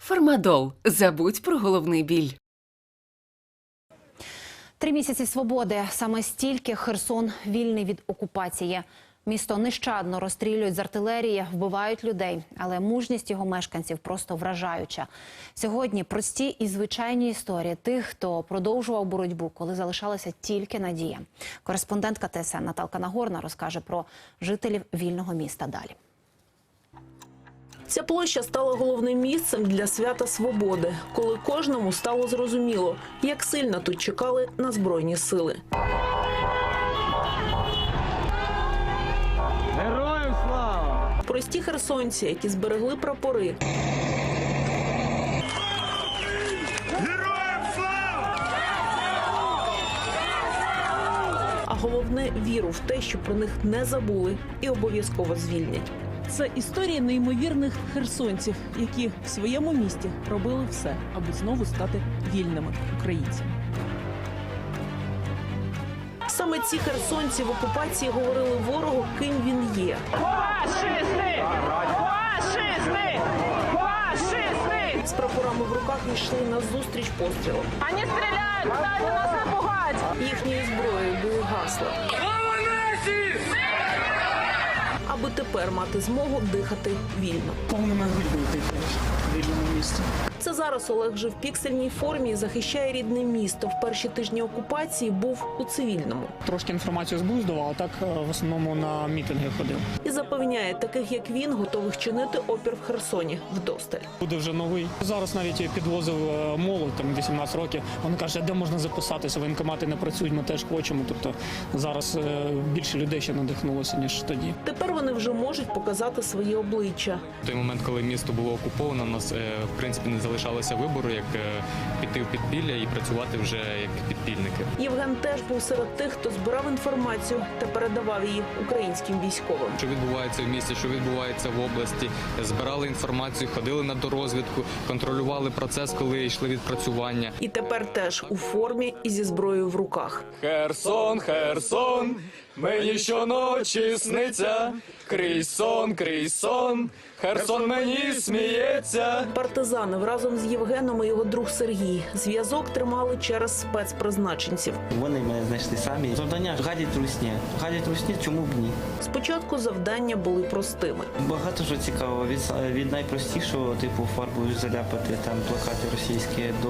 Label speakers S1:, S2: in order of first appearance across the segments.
S1: Фармадол. Забудь про головний біль.
S2: 3 місяці свободи. Саме стільки Херсон вільний від окупації. Місто нещадно розстрілюють з артилерії, вбивають людей. Але мужність його мешканців просто вражаюча. Сьогодні прості і звичайні історії тих, хто продовжував боротьбу, коли залишалася тільки надія. Кореспондентка ТСН Наталка Нагорна розкаже про жителів вільного міста далі.
S3: Ця площа стала головним місцем для свята свободи, коли кожному стало зрозуміло, як сильно тут чекали на Збройні сили.
S4: Героям слава!
S3: Прості херсонці, які зберегли прапори.
S4: Героям слава!
S3: А головне – віру в те, що про них не забули і обов'язково звільнять. Це історії неймовірних херсонців, які в своєму місті робили все, аби знову стати вільними українцями. Саме ці херсонці в окупації говорили ворогу, ким він є.
S5: Фашисти! Фашисти! Фашисти!
S3: З прапорами в руках йшли назустріч пострілам.
S5: Они стреляют, пытаются нас напугать!
S3: Їхньою зброєю були гасла. Аби тепер мати змогу дихати вільно.
S6: Повними грудьми дихаєш в вільному місті.
S3: Це зараз Олег же в піксельній формі і захищає рідне місто. В перші тижні окупації був у цивільному.
S6: Трошки інформацію з здавав, а так в основному на мітинги ходив.
S3: І запевняє, таких як він, готових чинити опір в Херсоні вдосталь.
S6: Буде вже новий. Зараз навіть підвозив молодь, там 18 років. Він каже, де можна записатися, воєнкомати не працюють, ми теж хочемо. Тобто зараз більше людей ще надихнулося, ніж тоді.
S3: Тепер вони вже можуть показати свої обличчя.
S7: В той момент, коли місто було окуповано, у нас, в принципі, не залишалося вибору, як піти в підпілля і працювати вже як підпільники.
S3: Євген теж був серед тих, хто збирав інформацію та передавав її українським військовим.
S7: Що відбувається в місті, що відбувається в області, збирали інформацію, ходили на дорозвідку, контролювали процес, коли йшли відпрацювання.
S3: І тепер теж у формі і зі зброєю в руках.
S7: Херсон, Херсон, мені щоночі сниться, крізь сон, Херсон мені сміється.
S3: Партизани разом з Євгеном і його друг Сергій зв'язок тримали через спецпризначенців.
S8: Вони мене знайшли самі. Завдання гадять русні. Гадять русні, чому б ні?
S3: Спочатку завдання були простими.
S8: Багато що цікаво. Від найпростішого, типу фарбою заляпати там плакати російські, до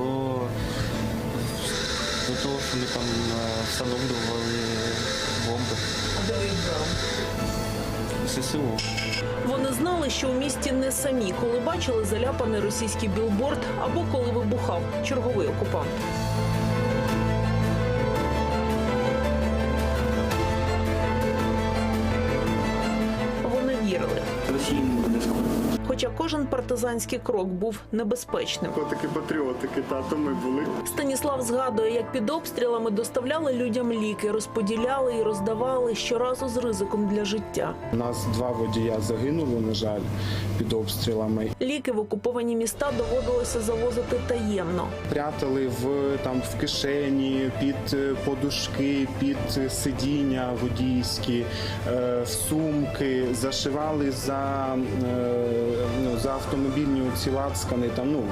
S8: того, що ми там встановлювали бомби.
S3: А де ви їх брали?
S8: ССО.
S3: Вони знали, що у місті не самі, коли бачили заляпаний російський білборд або коли вибухав черговий окупант. Вони вірили.
S8: Росії не буде скоро.
S3: Хоча кожен партизанський крок був небезпечним.
S4: Котики патріотики, тато ми були.
S3: Станіслав згадує, як під обстрілами доставляли людям ліки, розподіляли і роздавали щоразу з ризиком для життя.
S9: У нас 2 водія загинули, на жаль, під обстрілами.
S3: Ліки в окуповані міста доводилося завозити таємно.
S9: Прятали в кишені, під подушки, під сидіння водійські, в сумки, зашивали за автомобільні оці лацкани.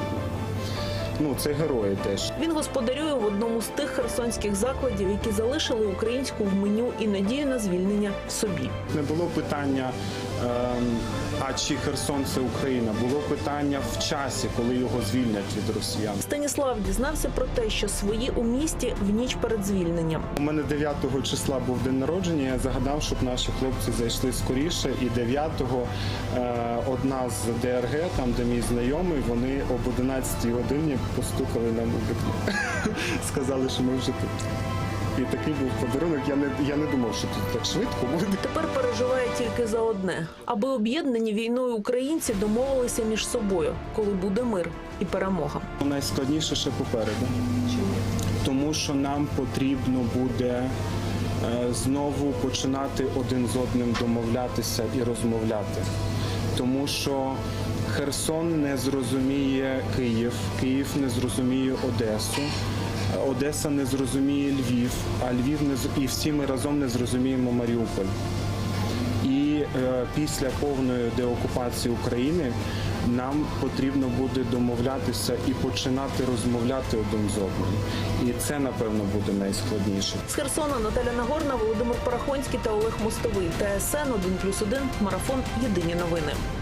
S9: Це герої теж.
S3: Він господарює в одному з тих херсонських закладів, які залишили українську в меню і надію на звільнення в собі.
S9: Не було питання, а чи Херсон – це Україна. Було питання в часі, коли його звільнять від росіян.
S3: Станіслав дізнався про те, що свої у місті в ніч перед звільненням.
S9: У мене 9 числа був день народження, я загадав, щоб наші хлопці зайшли скоріше. І 9-го одна з ДРГ, там де мій знайомий, вони об 11-й годині постукали нам у вікно. Сказали, що ми вже тут. І такий був подарунок. Я не думав, що тут так швидко буде.
S3: Тепер переживає тільки за одне. Аби об'єднані війною українці домовилися між собою, коли буде мир і перемога.
S9: Найскладніше ще попереду. Тому що нам потрібно буде знову починати один з одним домовлятися і розмовляти. Тому що Херсон не зрозуміє Київ, Київ не зрозуміє Одесу, Одеса не зрозуміє Львів, а Львів і всі ми разом не зрозуміємо Маріуполь. І після повної деокупації України нам потрібно буде домовлятися і починати розмовляти один з одним. І це, напевно, буде найскладніше.
S3: З Херсона Наталя Нагорна, Володимир Парахонський та Олег Мостовий. ТСН 1+1, Марафон. Єдині новини.